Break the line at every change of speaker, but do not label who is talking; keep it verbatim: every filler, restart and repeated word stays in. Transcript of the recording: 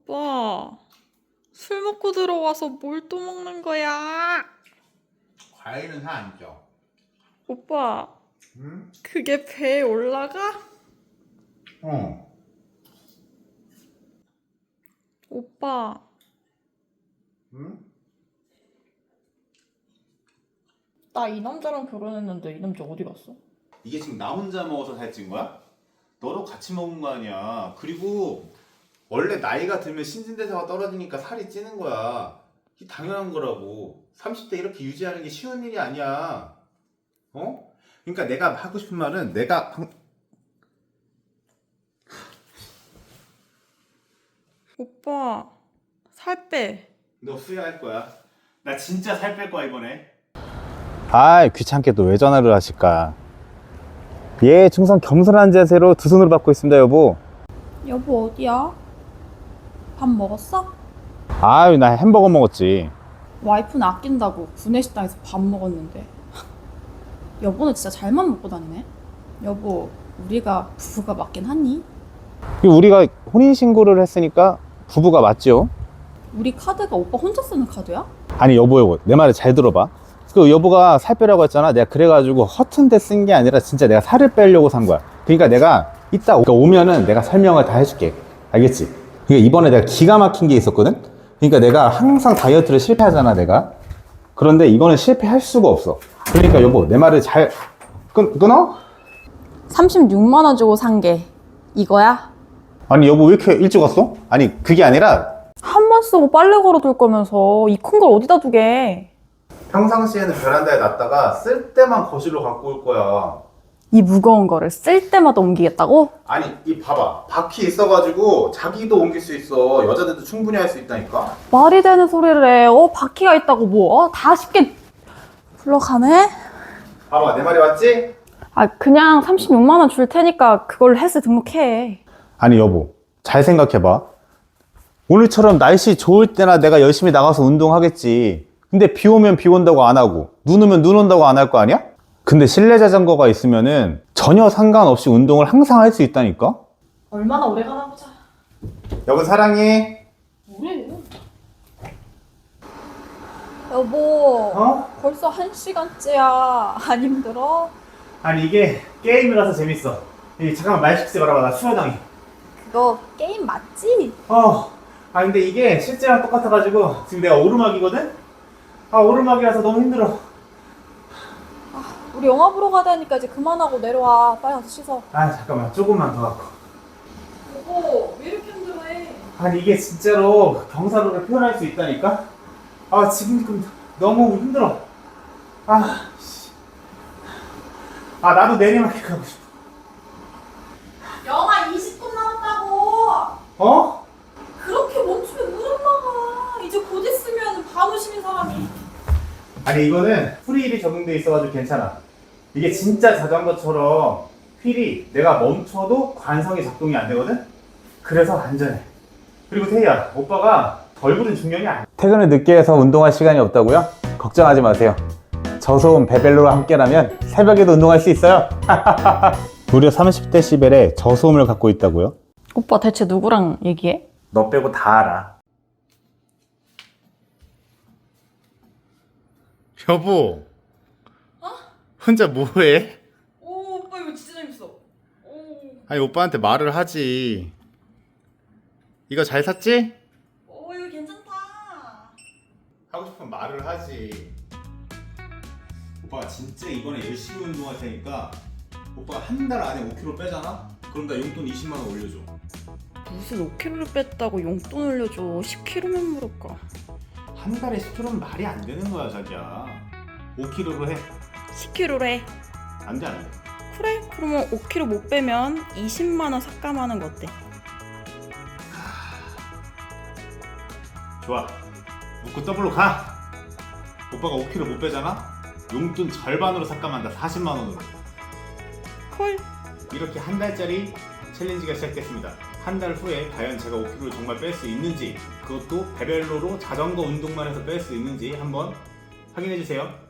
오빠, 술 먹고 들어와서 뭘 또 먹는 거야?
과일은 사 안 쪄.
오빠,
응?
그게 배에 올라가?
어.
오빠,
응?
나 이 남자랑 결혼했는데 이 남자 어디 갔어?
이게 지금 나 혼자 먹어서 살찐 거야? 너도 같이 먹은 거 아니야. 그리고 원래 나이가 들면 신진대사가 떨어지니까 살이 찌는 거야. 이게 당연한 거라고. 삼십 대 이렇게 유지하는 게 쉬운 일이 아니야. 어? 그러니까 내가 하고 싶은 말은 내가 방...
오빠, 살 빼.
너 후회할 거야. 나 진짜 살 뺄 거야 이번에. 아이 귀찮게 또 왜 전화를 하실까. 예, 충성 겸손한 자세로 두 손으로 받고 있습니다 여보.
여보 어디야? 밥 먹었어?
아유 나 햄버거 먹었지.
와이프는 아낀다고 구내식당에서 밥 먹었는데 여보는 진짜 잘만 먹고 다니네. 여보, 우리가 부부가 맞긴 하니?
우리가 혼인신고를 했으니까 부부가 맞죠.
우리 카드가 오빠 혼자 쓰는 카드야?
아니 여보 여보 내 말을 잘 들어봐. 그 여보가 살 빼라고 했잖아. 내가 그래가지고 허튼 데 쓴 게 아니라 진짜 내가 살을 빼려고 산 거야. 그러니까 내가 이따 오면은 내가 설명을 다 해줄게. 알겠지? 그러니까 이번에 내가 기가 막힌 게 있었거든. 그러니까 내가 항상 다이어트를 실패하잖아 내가. 그런데 이거는 실패할 수가 없어. 그러니까 여보 내 말을 잘 끊, 끊어?
삼십육만 원 주고 산 게 이거야?
아니 여보 왜 이렇게 일찍 왔어? 아니 그게 아니라
한 번 쓰고 빨래 걸어둘 거면서 이 큰 걸 어디다 두게?
평상시에는 베란다에 놨다가 쓸 때만 거실로 갖고 올 거야.
이 무거운 거를 쓸 때마다 옮기겠다고?
아니 이 봐봐 바퀴 있어가지고 자기도 옮길 수 있어. 여자들도 충분히 할 수 있다니까.
말이 되는 소리를 해. 어, 바퀴가 있다고 뭐? 어? 다 쉽게 불러가네?
봐봐 내 말이 맞지?
아, 그냥 삼십육만 원 줄 테니까 그걸 헬스 등록해.
아니 여보 잘 생각해봐. 오늘처럼 날씨 좋을 때나 내가 열심히 나가서 운동하겠지. 근데 비 오면 비 온다고 안 하고 눈 오면 눈 온다고 안 할 거 아니야? 근데 실내 자전거가 있으면은 전혀 상관없이 운동을 항상 할 수 있다니까?
얼마나 오래 가나 보자.
여보 사랑해.
뭐래? 여보,
어?
벌써 한 시간째야. 안 힘들어?
아니 이게 게임이라서 재밌어. 잠깐만 말 시키지 말아봐. 나 수혈당해.
그거 게임 맞지?
어. 아 근데 이게 실제랑 똑같아가지고 지금 내가 오르막이거든? 아 오르막이라서 너무 힘들어.
우리 영화 보러 가자니까 이제 그만하고 내려와. 빨리 가서 씻어.
아 잠깐만 조금만 더 갖고.
여보, 왜 이렇게 힘들어해?
아니 이게 진짜로 경사로를 표현할 수 있다니까? 아 지금 너무 힘들어. 아 씨. 아 나도 내리막길 가고 싶어.
영화 이십 분 남았다고.
어?
그렇게 멈추면 무릎 나가. 이제 곧 있으면 반 오시는 사람이.
아니 이거는 프리힐이 적용돼 있어가지고 괜찮아. 이게 진짜 자전거처럼 휠이 내가 멈춰도 관성이 작동이 안 되거든? 그래서 안전해. 그리고 태희야, 오빠가 얼굴은 중요한 게 아니야. 퇴근을 늦게 해서 운동할 시간이 없다고요? 걱정하지 마세요. 저소음 베벨로와 함께라면 새벽에도 운동할 수 있어요. 무려 삼십 데시벨의 저소음을 갖고 있다고요?
오빠 대체 누구랑 얘기해?
너 빼고 다 알아. 여보.
어?
혼자 뭐해?
오, 오빠 이거 진짜 재밌어. 오,
아니 오빠한테 말을 하지. 이거 잘 샀지?
오 이거 괜찮다.
하고 싶으면 말을 하지. 오빠가 진짜 이번에 열심히 운동할 테니까 오빠가 한 달 안에 오 킬로그램 빼잖아? 그럼 나 용돈 이십만 원 올려줘.
무슨 오 킬로그램을 뺐다고 용돈 올려줘. 십 킬로그램면 모를까.
한 달에 십 킬로그램은 말이 안 되는 거야 자기야. 오 킬로그램로 해.
십 킬로그램로 해.
안 돼 안 돼.
그래? 그러면 오 킬로그램 못 빼면 이십만 원 삭감하는 거 어때?
좋아. 묶고 더블로 가. 오빠가 오 킬로그램 못 빼잖아? 용돈 절반으로 삭감한다. 사십만 원으로.
콜.
이렇게 한 달짜리 챌린지가 시작됐습니다. 한 달 후에 과연 제가 오 킬로그램을 정말 뺄 수 있는지, 그것도 베벨로로 자전거 운동만 해서 뺄 수 있는지 한번 확인해 주세요.